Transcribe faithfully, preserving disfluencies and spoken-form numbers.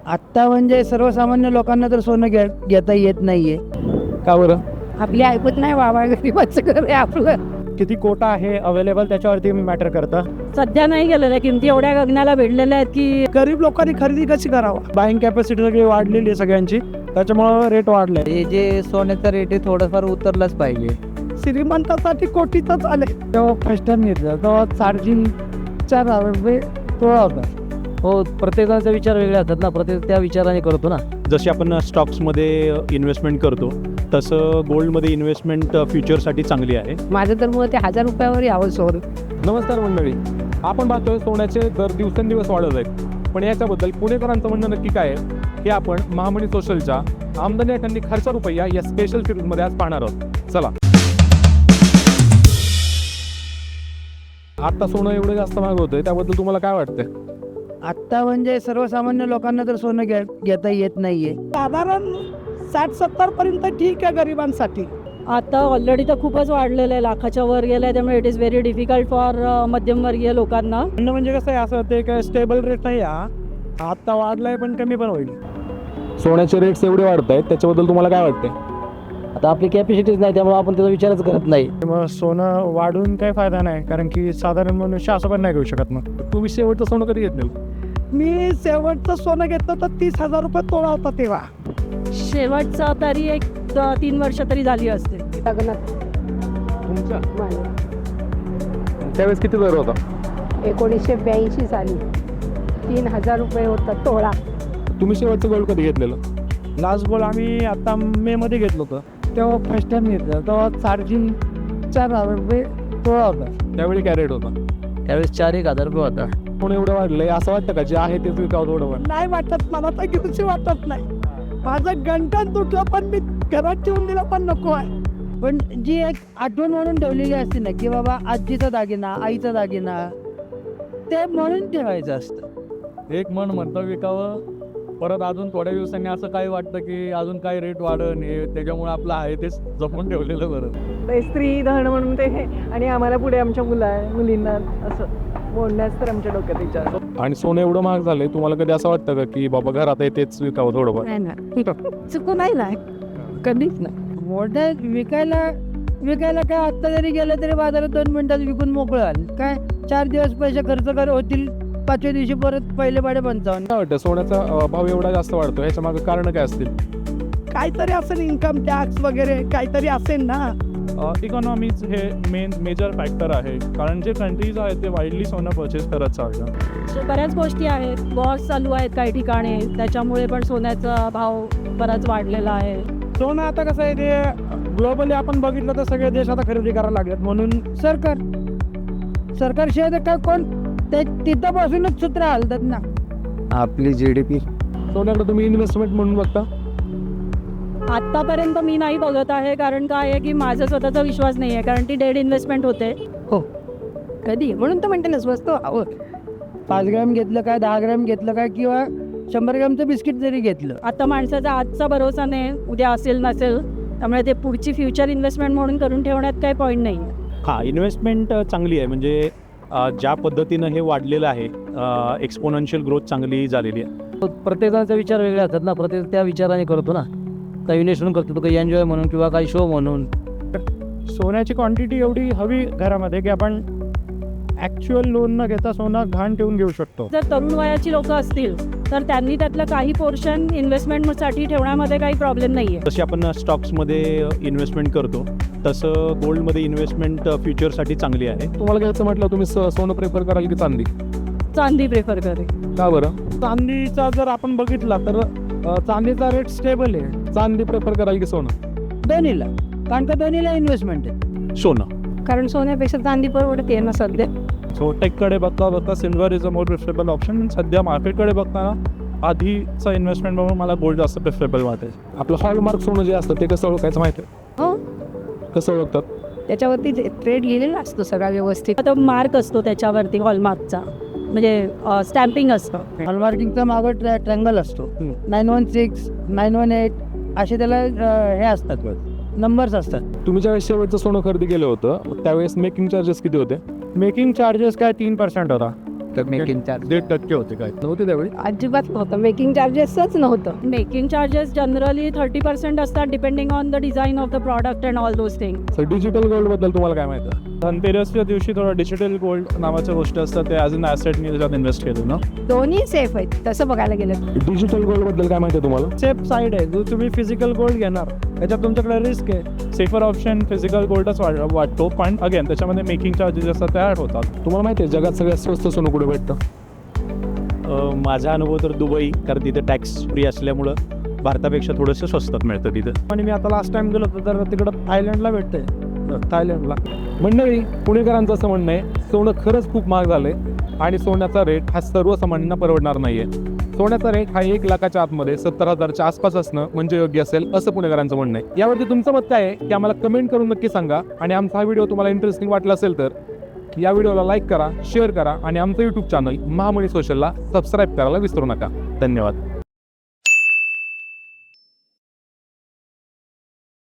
आत्ता म्हणजे सर्वसामान्य लोकांना तर सोनं घे घेता येत नाहीये. का बरं? आपली ऐकत नाही बाबा, गरीबाचं घर आहे आपलं. किती कोटा आहे अवेलेबल त्याच्यावरती मॅटर करतं. सध्या नाही गेलेल्या किमती एवढ्या गगनाला भिडलेल्या आहेत की गरीब लोकांनी खरेदी कशी करावा. बाईंग कॅपॅसिटी सगळी वाढलेली आहे सगळ्यांची, त्याच्यामुळं रेट वाढलाय. हे जे सोन्याचा रेट आहे थोडंफार उतरलाच पाहिजे. श्रीमंतासाठी कोटीतच आले. तेव्हा फर्स्ट टाइम घेतलं तेव्हा चार्जिंग चार हजार रुपये तोळा होता. हो, प्रत्येकाचा विचार वेगळे असतात ना, प्रत्येक त्या विचाराने करतो ना. जशी आपण स्टॉक्समध्ये इन्व्हेस्टमेंट करतो तसं गोल्डमध्ये इन्व्हेस्टमेंट फ्युचरसाठी चांगली आहे. माझं तर मग ते हजार रुपयावर यावं सोनं. नमस्कार मंडळी, आपण पाहतोय सोन्याचे दर दिवसेंदिवस वाढत आहेत. पण याच्याबद्दल पुणेकरांचं म्हणणं नक्की काय आहे हे आपण महामनी सोशलच्या आमदनी एखादी खर्च रुपया या स्पेशल सिरीजमध्ये आज पाहणार आहोत. चला. आता सोनं एवढं जास्त महाग होतंय, त्याबद्दल तुम्हाला काय वाटतंय? आत्ता म्हणजे सर्वसामान्य लोकांना तर सोनं घे घेता येत नाहीये. साधारण साठ सत्तर पर्यंत ठीक आहे गरिबांसाठी. आता ऑलरेडी तर खूपच वाढलेलं आहे, लाखाच्या वर गेलं आहे. त्यामुळे it is very difficult for मध्यमवर्गीय लोकांना. म्हणणं म्हणजे कसं आहे, असं ते काय स्टेबल रेट नाही हा. आत्ता वाढलाय पण कमी पण होईल. सोन्याचे रेट्स एवढे वाढत आहेत, त्याच्याबद्दल तुम्हाला काय वाटतंय? आता आपली कॅपॅसिटीच नाही, त्यामुळे आपण त्याचा विचारच करत नाही. मग सोनं वाढून काही फायदा नाही, कारण की साधारण मनुष्य असं पण नाही घेऊ शकत. मग तुम्ही शेवटचं सोनं कधी घेतलं? मी शेवटचं सोनं घेतलं तर तीस हजार रुपये तोळा होता तेव्हा. शेवटचा तरी एक द- तीन वर्ष तरी झाली असते. तुमच्या त्यावेळेस किती दर होता? एकोणीसशे ब्याऐंशी साली तीन हजार रुपये होता तोळा. तुम्ही शेवटचं गोल्ड कधी घेतलेलं? लास्ट गोल्ड आम्ही आता मे मध्ये घेतलं होतं. तेव्हा फर्स्ट टाइम घेतलं तेव्हा चार्जिंग चार हजार रुपये तोळा होता. त्यावेळी काय रेट होता? त्यावेळेस चार एक हजार रुपये होता. कोण एवढं वाढलंय असं वाटतं का? जे आहे तेच विकावं थोडं वाढ. नाही वाटत, मला तर घेऊशी वाटत नाही. माझं गंठन तुटलं पण मी घरात ठेवून दिलं पण नको आहे. पण जी एक आठवण म्हणून ठेवलेली असते ना की बाबा आजीचा दागिना, आईचा दागिना, ते म्हणून ठेवायचं असतं. एक मन म्हणतं विकावं, परत अजून थोड्या दिवसांनी असं काही वाटतं की अजून काही रेट वाढन, हे त्याच्यामुळे आपलं आहे तेच जपून ठेवलेलं बरं. स्त्री धन म्हणून ते हे आणि आम्हाला पुढे आमच्या मुला मुलींना असं बोलण्यास तर आमच्या डोक्यात विचार. आणि सोनं एवढं महाग झालंय, तुम्हाला कधी असं वाटतं का की बाबा घरात आहे तेच विकावं थोडंफार? नाही ना, चुकून नाही ना, कधीच नाही. मोठ्या विकायला विकायला काय आत्ता जरी गेलं तरी बाजारात दोन मिनिटात विकून मोकळं आलं. काय चार दिवस पैसे खर्च कर होतील, पाचव्या दिवशी परत पहिले पाडे पंचावन्न. काय वाटतं सोन्याचा अं, भाव एवढा जास्त वाढतो, ह्याच्या मागे कारण काय असतील? काहीतरी असेल, इन्कम टॅक्स वगैरे काहीतरी असेल ना. इकॉनॉमीज हे मेन मेजर फॅक्टर आहे, कारण जे कंट्रीज आहेत ते वाईडली सोनं परचेस करत चालतात. So, बऱ्याच गोष्टी आहेत, वॉर्स चालू आहेत काही ठिकाणी, त्याच्यामुळे पण सोन्याचा भाव बराच वाढलेला आहे. सोनं आता कसं आहे, ते ग्लोबली आपण बघितलं तर सगळे देश आता खरेदी करायला लागलेत. म्हणून सरकार सरकारशिवाय तर काय कोण ते तिथं बसूनच सूत्र हलतात ना. आपली जी डी पी सोन्याकडे तुम्ही इन्व्हेस्टमेंट म्हणून बघता? आत्तापर्यंत मी नाही बघत आहे, कारण काय आहे की माझा स्वतःचा विश्वास नाही आहे, कारण ती डेड इन्व्हेस्टमेंट होते. हो, कधी म्हणून तर म्हणते ना स्वस्त हवं. पाच ग्रॅम घेतलं काय, दहा ग्रॅम घेतलं काय, किंवा शंभर ग्रॅमचं बिस्किट जरी घेतलं. आता माणसाचा आजचा भरोसा नाही, उद्या असेल नसेल, त्यामुळे ते पुढची फ्युचर इन्व्हेस्टमेंट म्हणून करून ठेवण्यात काही पॉईंट नाही आहे. हां, इन्व्हेस्टमेंट चांगली आहे. म्हणजे अ, ज्या पद्धतीनं हे वाढलेलं आहे, एक्सपोनेन्शियल ग्रोथ चांगली झालेली आहे. प्रत्येकाचा विचार वेगळे असतात ना, प्रत्येक त्या विचाराने करतो ना. काही इन्व्हेस्टमेंट करतो तो, काही एन्जॉय म्हणून किंवा काही शो म्हणून. सोन्याची क्वांटिटी एवढी हवी घरामध्ये की आपण ॲक्च्युअल लोन न घेता सोनं घाण ठेवून घेऊ शकतो. जर तरुण वयाची लोक असतील तर त्यांनी त्यातलं काही पोर्शन इन्व्हेस्टमेंटसाठी ठेवण्यामध्ये काही प्रॉब्लेम नाही आहे. जशी आपण स्टॉक्समध्ये इन्व्हेस्टमेंट करतो तसं गोल्डमध्ये इन्व्हेस्टमेंट फ्युचरसाठी चांगली आहे. तुम्हाला घ्यायचं म्हटलं तुम्ही स- सोनं प्रेफर कराल की चांदी? चांदी प्रेफर करेल. का बरं? चांदीचा जर आपण बघितला तर अ, चांदीचा रेट स्टेबल आहे. चांदी प्रेफर कराल की सोनं? दोन्हीला, कारण का दोन्हीला इन्व्हेस्टमेंट आहे. सोनं, कारण सोन्यापेक्षा चांदी परवडते ना सध्या. सो टेककडे बघता बघता silver is a more preferable option. सध्या मार्केटकडे बघताना आधीचं इन्व्हेस्टमेंट बघून मला गोल्ड जास्त प्रिफरेबल वाटेल. आपलं हॉलमार्क सोनं जे असतं ते कसं ओळखायचं माहिती आहे? हो, कसं ओळखतात? त्याच्यावरती ट्रेड लिहिलेला असतो सगळा व्यवस्थित. आता मार्क असतो त्याच्यावरती, हॉलमार्कचा म्हणजे स्टॅम्पिंग असतं. हॉलमार्किंगचा मागं ट्रॅ ट्रँगल असतो. Nine one six nine one eight असे त्याला अं, हे असतात, नंबर्स असतात. तुम्ही ज्यावेळेस शेवटचं सोनं खरेदी केलं होतं त्यावेळेस मेकिंग चार्जेस किती होते? मेकिंग चार्जेस काय तीन पर्सेंट होता. होतं मेकिंग चार्ज दीड टक्के होते काय नव्हते त्यावेळी अजिबात नव्हतं मेकिंग चार्जेसच नव्हतं. Making charges generally thirty percent असतात depending on the design of the product and all those thing. Sir digital gold बद्दल तुम्हाला काय माहिती आहे? धनतेरसच्या दिवशी थोडं डिजिटल गोल्ड नावाच्या गोष्टी असतात ते ॲज अन ॲसेटनी त्याच्यात इन्व्हेस्ट केलं ना. दोन्ही सेफ आहेत तसं बघायला गेलं. डिजिटल गोल्ड बद्दल काय माहिती आहे तुम्हाला? सेफ साईड आहे जो तुम्ही फिजिकल गोल्ड घेणार त्याच्यात तुमच्याकडे रिस्क आहे. सेफर ऑप्शन फिजिकल गोल्डच वाट वाटतो पण अगेन त्याच्यामध्ये मेकिंग चार्जेस असतात ते ॲड होतात. तुम्हाला माहिती आहे जगात सगळ्यात स्वस्त सोनं कुठे भेटतं? अ, माझा अनुभव तर दुबई, कारण तिथे टॅक्स फ्री असल्यामुळं भारतापेक्षा थोडंसं स्वस्तात मिळतं तिथं. आणि मी आता लास्ट टाइम गेलो होतो तर तिकडं थायलंडला भेटते थायलंडला. मंडळी, पुणेकरांचं असं म्हणणं आहे सोनं खरंच खूप महाग झालंय आणि सोन्याचा रेट हा सर्वसामान्यांना परवडणार नाहीये. सोन्याचा रेट हा एक लाखाच्या आतमध्ये सत्तर हजारच्या आसपास असणं म्हणजे योग्य असेल असं पुणेकरांचं म्हणणं आहे. यावरती तुमचं मत काय आहे की आम्हाला कमेंट करून नक्की सांगा. आणि आमचा हा व्हिडिओ तुम्हाला इंटरेस्टिंग वाटला असेल तर या व्हिडिओला लाईक करा, शेअर करा आणि आमचं यूट्यूब चॅनल महामनी सोशलला सबस्क्राईब करायला विसरू नका. धन्यवाद.